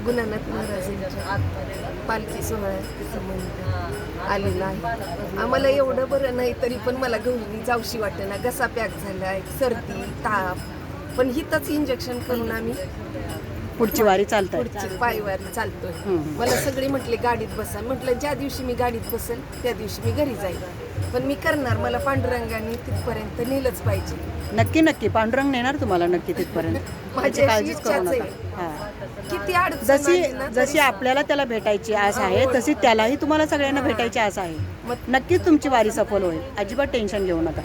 गुणानाथ महाराजांच्या पालखी सोहळ्याचा संबंध आलेला आहे. आम्हाला एवढं बरं नाही तरी पण मला गौरी जावशी वाटेना, घसा पॅक झालाय, सर्दी ताप, पण हिथंच इंजेक्शन करून आम्ही पुढची वारी चालताय. पुढची पायवारी चालतोय. मला सगळे म्हटले गाडीत बसा, म्हटलं ज्या दिवशी मी गाडीत बसेल त्या दिवशी मी घरी जाईल, पण मी करणार, मला पांडुरंगाने तिथपर्यंत नेलंच पाहिजे. नक्की नक्की पांडुरंग नेणार तुम्हाला नक्की तिथपर्यंत. माझी काळजीच करू इच्छाच नका. आहे. हा. किती अडचण आली ना जशी आपल्याला त्याला भेटायची आस आहे तशी त्यालाही तुम्हाला सगळ्यांना भेटायची आस आहे. नक्कीच तुमची वारी सफल होईल, अजिबात टेन्शन घेऊ नका.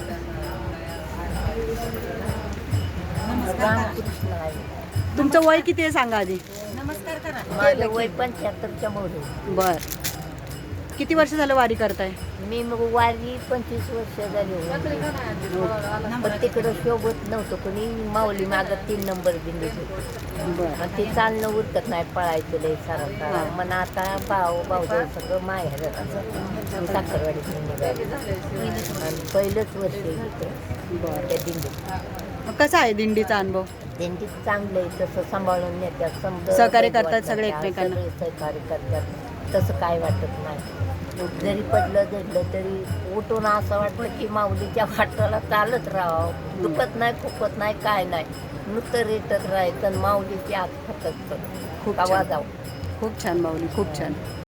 तुमचं वय किती आहे सांगा आधी. माझं वय 75च्या मोठे. बर, किती वर्ष झालं वारी करताय? मी मग वारी 25 वर्ष झाली होती. पण तिकडं शोभत नव्हतं कोणी, माऊली मागं 3 नंबर दिंडीत होती. बर. मग ते चालणं उरकत नाही, पळायचं लय सारा. मग आता भाऊ सगळं माहेर साखरवाडीत निघाले आणि पहिलंच वर्ष इथं बर. त्या दिंडीत. मग कसा आहे दिंडीचा अनुभव? दिंडीत चांगलं आहे, तसं सांभाळून नेत्यात, समजा सहकार्य करतात सगळे एकमेकांना. सगळे सहकार्य करतात, तसं काय वाटत नाही. जरी पडलं झडलं तरी उठून असं वाटतं की माऊलीच्या वाटाला चालत राहावं, दुखत नाही खुपत नाही काय नाही, नुसतं रेटत राहायचं, माऊलीची आत फक्त खूप आवाज छान. खूप छान माऊली, खूप छान.